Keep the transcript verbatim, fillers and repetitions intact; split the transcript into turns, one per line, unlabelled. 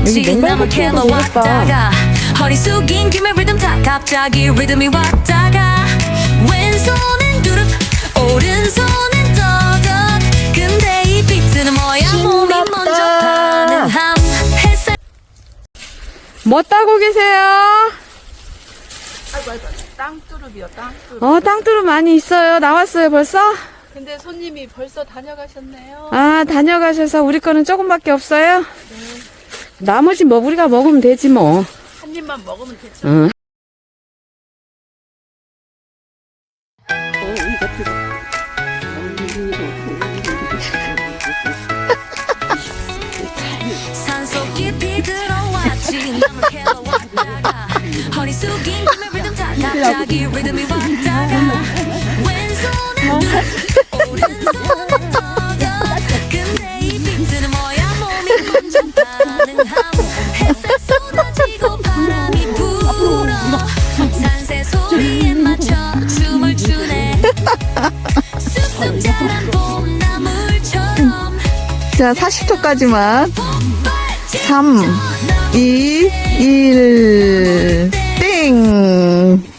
마치 나무 캐러 왔다가 허리 숙인 김에 리듬 타 갑자기 리듬이 왔다가 왼손은 두릅 오른손은 더덕 근데 이 비트는 뭐야 몸이 먼저 반응함 햇살
뭐 따고 계세요?
아이고 아이고 땅두릅이요 땅두릅.
어, 땅두릅 많이 있어요. 나왔어요, 벌써?
근데 손님이 벌써 다녀가셨네요.
아, 다녀가셔서 우리 거는 조금밖에 없어요? 나머지 뭐 우리가 먹으면 되지 뭐.
한 입만 먹으면 되죠.
응.
산속 깊이 들어왔지 나무 캐러 왔다가 허리 숙인 김에 리듬 타 갑자기 리듬이 왔다가 왼손은 두릅 오른손은 더덕 근데 이 비트는 뭐야 몸이 먼저 반응함 햇살 쏟아지고 바람이 불어 산새 소리에 맞춰 춤을 추네 쑥쑥 자란 봄나물처럼
자, 사십 초까지만. 삼, 이, 일, 땡!